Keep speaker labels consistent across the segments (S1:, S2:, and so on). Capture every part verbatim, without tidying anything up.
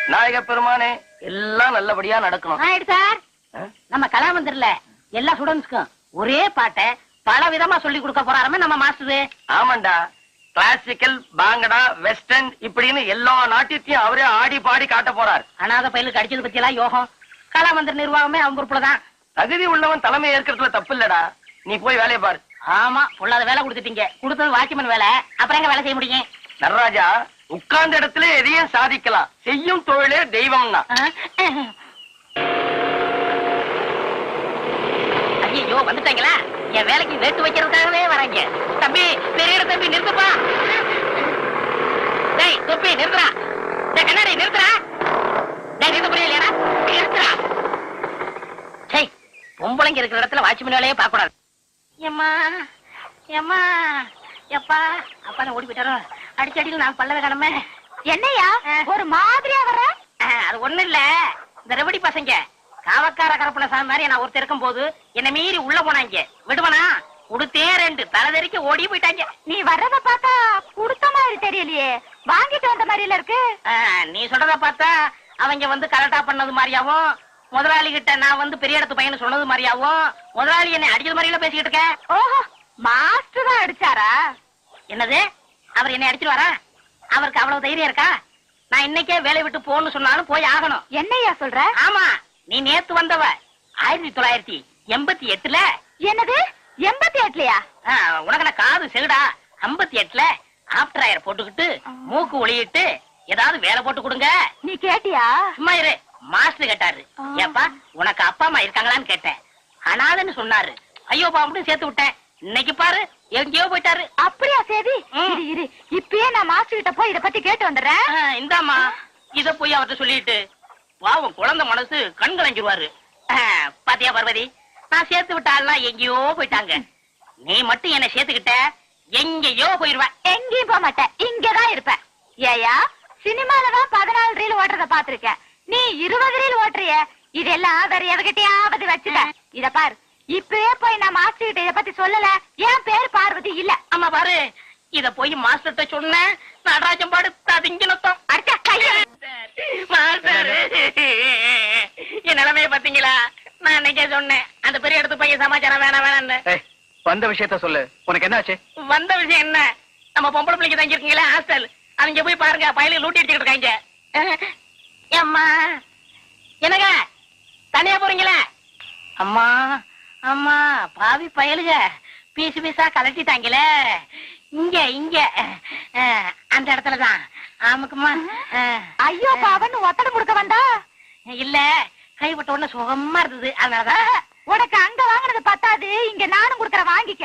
S1: நாயக பெருமானே, எல்லாம் நல்லபடியா நடக்கணும்.
S2: சார், நம்ம கலாமந்திரல எல்லா ஸ்டூடெண்ட்ஸ்க்கும் ஒரே பாட்டை பல விதமா சொல்லி கொடுக்க போறாருமே நம்ம மாஸ்டர்.
S1: ஆமாண்டா, கிளாசிக்கல், பாங்கடா, வெஸ்டர்ன் இப்படின்னு எல்லா நாட்டியத்தையும் அவரே ஆடி பாடி காட்ட போறார்.
S2: அனாத பயிலுக்கு அடிச்சது பத்தி எல்லாம் யோகம். கலாமந்திர நிர்வாகமே அவங்க பொறுப்புலதான்.
S1: தகுதி உள்ளவன் தலைமை ஏற்கிறதுல தப்பு இல்லடா. நீ போய் வேலையை பாரு.
S2: ஆமா, பொல்லாத வேலை கொடுத்துட்டீங்க. கொடுத்தது வாட்ச்மேன் வேலை, அப்புறம் எங்க வேலை செய்ய முடியும்?
S1: நடராஜா, உட்கார்ந்த இடத்துல எதையும் சாதிக்கலாம். செய்யும் தொழிலே தெய்வம்னா.
S2: ஐயோ, வந்துட்டாங்களா? என் வேலைக்கு வேட்டு வைக்கிறதுக்காகவே வராங்க. தம்பி, பெரிய தம்பி நிறுத்துப்பா. டேய் தொப்பி நிறுத்துறா. டேய் கண்ணாடி நிறுத்துறா. டேய் நிறுத்த புரியலையா? நிறுத்துறா. சே, பொம்பளைங்க இருக்கிற இடத்துல வாட்ச்மேன் வேலையே பார்க்க கூடாது. ஏம்மா ஏம்மா எப்பா அப்பா ஓடி போயிட்டாரோ. அடிச்சடியில் நான் பல்லவே கடமை.
S3: என்னையா ஒரு மாதிரியா வர?
S2: அது ஒண்ணு இல்ல, இந்த ரெவடி பசங்க காவக்கார கரப்புல சாமி மாதிரி நான் ஒருத்தர் இருக்கும் போது என்ன மீறி உள்ள போனாங்க. விடுவனா? உடுத்தே ரெண்டு தலைதறிக்க ஓடி போயிட்டாங்க.
S3: நீ வர்றத பார்த்தா குடுத்த மாதிரி தெரியலையே, வாங்கிட்டு வந்த மாதிரில இருக்கு.
S2: நீ சொல்றத பார்த்தா அவங்க வந்து கரெக்டா பண்ணது மாதிரியாவும், முதலாளி கிட்ட நான் வந்து பெரிய இடத்து பையன் சொன்னது மாதிரியாவும், முதலாளி என்னை அடிச்சது மாதிரில பேசிக்கிட்டு இருக்கேன்.
S3: ஓஹோ, மாஸ்டர் தான் அடிச்சாரா?
S2: என்னது, அவர் என்னை அடிச்சிருவாரா? அவருக்கு அவ்வளவு தைரியம் இருக்கா? நான் இன்னைக்கே வேலை விட்டு போன்னு சொன்னாலும் போய் ஆகணும்.
S3: என்னையா சொல்ற?
S2: ஆமா, நீ நேத்து வந்தவ ஆயிரத்தி தொள்ளாயிரத்தி எண்பத்தி எட்டுல.
S3: என்னது, எண்பத்தி எட்டுலயா?
S2: உனக்கு நான் காது செகுடா. ஐம்பத்தி எட்டுல ஆப்டர் ஆயர் போட்டுக்கிட்டு மூக்கு ஒளியிட்டு ஏதாவது வேலை போட்டு கொடுங்க.
S3: நீ கேட்டியா?
S2: சும்மா இரு. மாஸ்டர் கேட்டாரு, ஏப்பா உனக்கு அப்பா அம்மா இருக்காங்களான்னு கேட்டேன். அனாதன்னு சொன்னாரு. ஐயோ பாம்புன்னு சேர்த்து விட்டேன். இன்னைக்கு பாரு எங்கேயோ போயிட்டாரு.
S3: அப்படியா? சரி இரு இரு, இப்பயே நான் மாஸ்டர் கிட்ட போய் இத பத்தி கேட்டு வந்துடுறேன்.
S2: இந்தாமா, இத போய் அவர்கிட்ட சொல்லிட்டு பாவம் குழந்தை மனசு கண் கலங்கிடுவாரு. பாத்தியா பார்வதி, நான் சேர்த்து விட்டாலாம் எங்கேயோ போயிட்டாங்க. நீ மட்டும் என்ன சேர்த்துக்கிட்ட எங்கேயோ போயிருவ.
S3: எங்கேயும் போக மாட்டேன், இங்கதான் இருப்பேன். ஏயா, சினிமாலதான் பதினாலு ரீல் ஓட்டுறத பாத்திருக்கேன், நீ இருபது ரீல் ஓட்டுறிய. இதெல்லாம் வேற எவகிட்டயாவது வச்சுட்ட. இத பாரு, இப்பவே போய் நான் மாஸ்டர் கிட்ட இத பத்தி சொல்லல. என் பேர் பார்வதி இல்ல.
S2: ஆமா பாரு, இத போய் மாஸ்டர்ட்ட சொன்ன நடராஜன் பாடு திங்கினத்தம்
S3: அடிச்ச கைய.
S2: மாஸ்டர், என் நிலைமைய பாத்தீங்களா? நான் இன்னைக்கே சொன்னேன் அந்த பெரிய இடத்து பையன் சமாச்சாரம் வேணாம் வேணான்னு.
S1: வந்த விஷயத்த சொல்லு, உனக்கு என்ன ஆச்சு?
S2: வந்த விஷயம் என்ன, நம்ம பொம்பளை பிள்ளைங்க தங்கி இருக்கீங்களா ஹாஸ்டல், அவங்க போய் பாருங்க, பயிலுக்கு லூட்டி அடிச்சுட்டு இருக்காங்க. அம்மா என்னங்க தனியா போறீங்களா? அம்மா அம்மா, பாவி பயலுக பீசு பீசா கலட்டிட்டாங்களே. இங்க இங்க அந்த இடத்துலதான். ஆமாக்குமா.
S3: ஐயோ பாவன்னு ஒத்தடை கொடுக்க வந்தா?
S2: இல்ல, கைவிட்ட உடனே சுகமா இருந்தது, அதனாலதான்.
S3: உனக்கு அங்க வாங்கினது பத்தாது, இங்க நானும் கொடுக்கற வாங்கிக்க.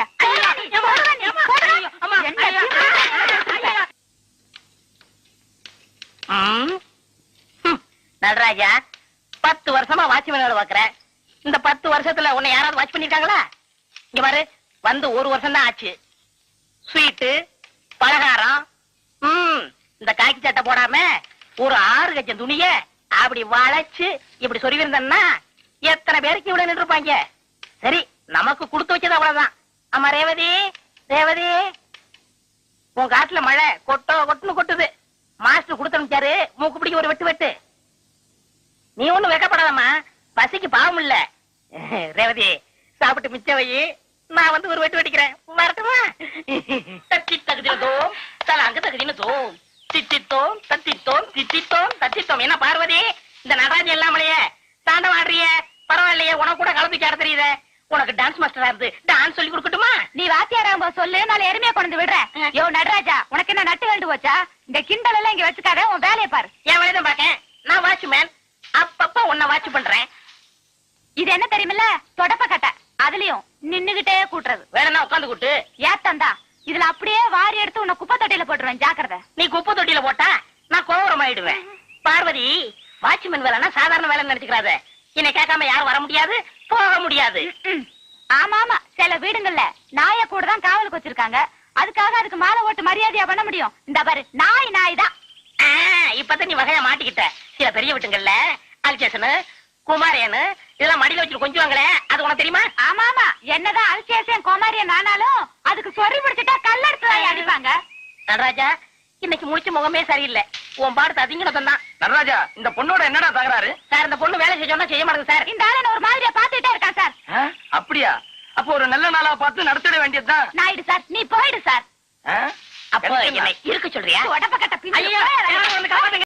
S2: நடராஜா, பத்து வருஷமா வாட்ச்மேன் வேலை பாக்குறேன். இந்த பத்து வருஷத்துல உன்னை யாராவது வாட்ச் பண்ணிருக்காங்களா? இங்க பாரு, வந்து ஒரு வருஷம் தான் ஆச்சு. ஸ்வீட்டு பலகாரம், உம் இந்த காக்கி சட்டை போடாம ஒரு ஆறு கச்சம் துணிய அப்படி வளைச்சு இப்படி சொருவிருந்தா எத்தனை பேருக்கு இவ்வளவு நின்று இருப்பாங்க. சரி, நமக்கு கொடுத்து வச்சது அவ்வளவுதான். ஆமா ரேவதி, ரேவதி, உன் காட்டுல மழை கொட்டோ கொட்டுன்னு கொட்டுது. மாஸ்டர் கொடுத்து அனுப்பிச்சாரு, மூக்கு பிடிக்க ஒரு வெட்டு வெட்டு. நீ ஒண்ணும் வெக்கப்படாதம்மா, பசிக்கு பாவம் இல்ல. ரேவதி, சாப்பிட்டு மிச்ச வை, நான் வந்து ஒரு வெட்டு வெட்டிக்கிறேன். வரட்டுமா? தத்தி தகுதினதோம் தலாங்க தகுதினதோம் தித்தித்தோம் தத்தித்தோம் தித்தித்தோம் தத்தித்தோம். என்ன பார்வதி, இந்த நடராஜன் இல்லாமலையே தாண்டம் ஆடுறிய? பரவாயில்லையே, உனக்கு கூட கலப்பிக்க ஆட தெரியுது. உனக்கு டான்ஸ் மாஸ்டரா இருந்து டான்ஸ் சொல்லி கொடுக்கட்டுமா?
S3: நீ வாத்தியாராம்ப சொல்லு, நான் எருமையா கொண்டு விடுறேன். யோ நடராஜா, உனக்கு என்ன நட்டு வேண்டு போச்சா? இந்த கிண்டல் எல்லாம் இங்க வச்சுக்காத, உன் வேலையை பாரு.
S2: என் வேலையை பாக்கேன். நான் வாட்ச்மேன், அப்பப்ப உன்னை வாட்ச் பண்றேன்.
S3: இது என்ன தெரியுமில்ல, தொடப்ப கட்டை. அதுலயும் நின்னுகிட்டே கூட்டுறது.
S2: வேணும்னா உட்காந்து கூட்டு.
S3: ஏத்தந்தா, இதுல அப்படியே வாரி எடுத்து உன்னை குப்பை தொட்டியில போட்டுருவேன், ஜாக்கிரதை.
S2: நீ குப்பை தொட்டியில போட்டா நான் கோவரம் ஆயிடுவேன். பார்வதி, வாட்ச்மேன் வேலைன்னா சாதாரண வேலை நினைச்சுக்கிறாத. என்னை கேட்காம யாரும் வர முடியாது, போக முடியாது.
S3: ஆமா ஆமா, சில வீடுங்கள்ல நாய கூட தான் காவலுக்கு வச்சிருக்காங்க. அதுக்காக அதுக்கு மாலை ஓட்டு மரியாதையா பண்ண முடியும். இந்த பாரு, நாய் நாய் தான்.
S2: இப்பதான் நீ வகையா மாட்டிக்கிட்ட. சில பெரிய வீட்டுங்கள்ல அல்சேஷனு குமாரியனு இதெல்லாம் மடியில வச்சு கொஞ்சுவாங்களே, அது உனக்கு தெரியுமா?
S3: ஆமா ஆமா, என்னதான் அல்சேஷன் குமாரியன் ஆனாலும் அதுக்கு சொறி பிடிச்சிட்டா கல்லெடுத்து அடிப்பாங்க.
S2: நடராஜா, இன்னைக்கு முடிச்ச முகமே சரியில்லை. உன் பாடத்தை அதிகணும் தான்.
S1: நடராஜா, இந்த பொண்ணோட என்னடா தகராறு?
S2: சார் இந்த பொண்ணு வேலை செய்ய சொன்னா செய்ய மாட்டேங்குது சார்.
S3: இந்த ஆளு ஒரு மாதிரியா பாத்துட்டே இருக்கான் சார்.
S1: ஆ, அப்படியா? அப்போ ஒரு நல்ல நாளா பார்த்து நடத்திட வேண்டியதுதான்.
S3: நாயுடு சார், நீ போயிடு சார்.
S1: ஆ?
S2: அப்போ என்னை இருக்க சொல்றியா?
S3: உடம்ப கட்ட பின்னாடி
S2: ஐயோ, யாராவது வந்து காப்பாத்துங்க.